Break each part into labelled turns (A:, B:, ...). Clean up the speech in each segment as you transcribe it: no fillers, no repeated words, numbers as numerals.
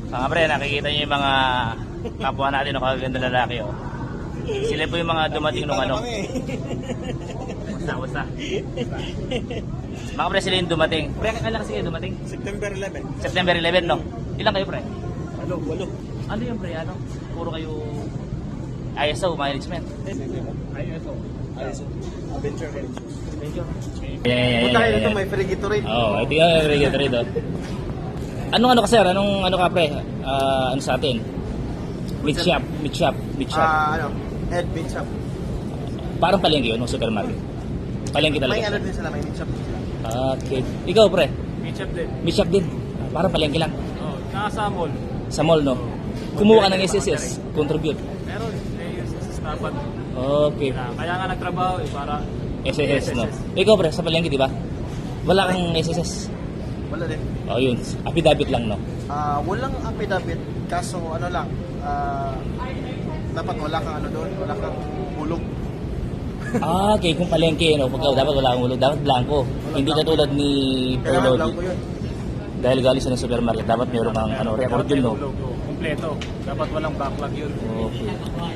A: Mga pre, nakikita niyo yung mga kapwa natin o kagaganda lalaki oh. Sila po yung mga dumating nung ano. Basta. Mga pre, sila yung dumating. Pre, kailan kasi kayo dumating?
B: September 11.
A: September 11, no? Ilan kayo pre?
B: Walo.
A: Ano yung pre, ano? Puro kayo ISO management.
B: ISO. Adventure Heritage.
A: Punta
B: kayo dito, may free Gatorade.
A: Oo, ito yung free Gatorade oh. Anong ano ka sir? Anong ano ka pre? Ano sa atin? Meat shop.
B: Head meat shop.
A: Parang palengke yun, no? Supermarket. Palengke talaga.
B: May ano din sila, may meat shop din sila.
A: Okay. Ikaw pre?
B: Meat shop din.
A: Meat shop din. Parang palengke lang.
B: Oo, nasa mall.
A: Sa mall, no? Kumuha ka ng SSS. Contribute.
B: Meron, may SSS dapat.
A: Okay.
B: Kaya nga nagtrabaho para
A: SSS, no? Ikaw pre, sa palengke, di ba? Wala kang SSS.
B: wala din.
A: Oh, yun. Affidavit lang, no?
B: Walang affidavit, kaso ano lang, dapat wala kang ano doon, wala kang hulog.
A: Okay. Kung palengke, no? Pagka dapat wala kang ulog. Dapat blanco. Hindi katulad ni
B: Kailangan lang
A: Perlodi.
B: ko yun.
A: Dahil galing sa ng supermarket, dapat meron kang ano, record yun, no?
B: Kompleto. Dapat walang backlog yun.
A: Okay.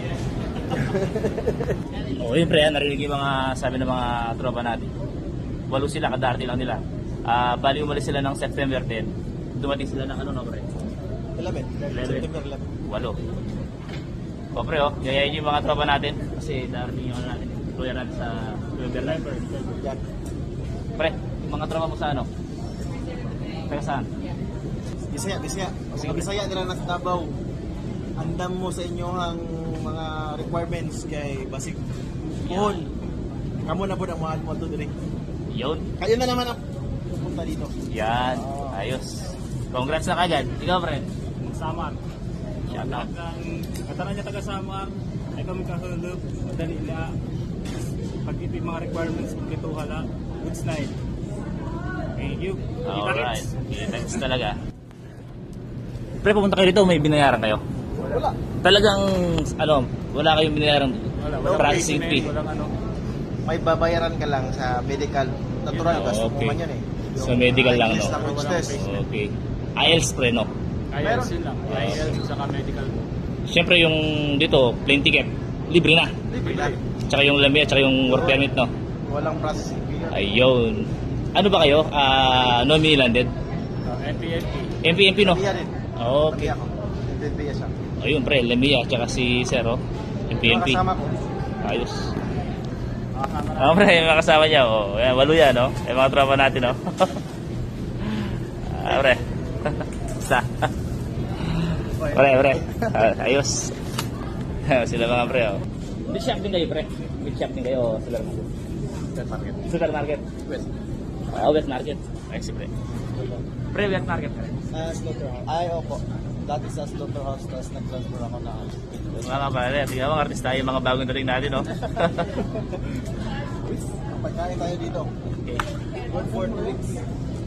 A: Oo, yun pre, narinig yung mga sabi ng mga tropa natin. 8 sila, kadarte lang nila. Bali umalis sila ng September 10. Dumating sila ng ano, no pre?
B: 11. September 11.
A: 8. O pre, oh, yayayin yung mga tropa natin. Kasi darating yung ano natin, employer natin sa November 9.
B: Yan.
A: Pre, yung mga tropa mo sa ano? Taga saan?
B: Bisaya.
A: Sige,
B: Mga Bisaya nila nasa Davao. Andam mo sa inyong mga requirements kay Basig. Puhon. Kamu na po ang mahal mo ito dire.
A: Yun.
B: Kayo na naman ang pupunta dito.
A: Yan. Ayos. Congrats na kagad. Ikaw pre.
B: Samar.
A: Shout out.
B: Katana niya taga Samar. Ay kami kahulog. Madali na. Pag ito yung mga requirements, ito hala. Good night. Thank you.
A: Alright. Thanks talaga. Pre, pumunta kayo dito, may binayaran kayo?
B: Wala.
A: Talagang, ano, wala kayong binayaran processing fee.
B: Walang ano. May babayaran ka lang sa medical. Natural, gasto mo
A: Okay.
B: man yun eh.
A: So, medical lang,
B: IELTS
A: no?
B: language test.
A: Okay. IELTS pre, no?
B: IELTS yun lang. IELTS saka medical.
A: Siyempre yung dito, plane ticket, libre na.
B: Libre lang.
A: Tsaka yung lamia, tsaka yung work permit, no?
B: Walang processing fee yun.
A: Ayun. Ano ba kayo? Nominee landed?
B: NPNP.
A: MPMP, no?
B: Lamia rin.
A: Okay.
B: Lamia ako. NPNP siya.
A: Ayun, pre, lamia, tsaka si Zero, MPMP.
B: Mga kasama ko.
A: Ayos. Pre, yung mga kasama niya, oh. Yan, 8 yan, no? Yung mga tropa natin, no? Pre. Isa. Pre. Ayos. Sila mga pre, oh. Meat shop din kayo, pre. Meat shop din kayo, supermarket. Supermarket.
B: West.
A: West market. Ayos, pre. Pre, west market, pre.
B: Slaughterhouse. Ay, opo. Dati sa slaughterhouse, tapos nag-transfer ako na
A: Mga kapare, tingnan mo, artista yung mga bagong dating natin, no?
B: pagkain tayo dito.
A: Okay.
B: Good for 2 weeks.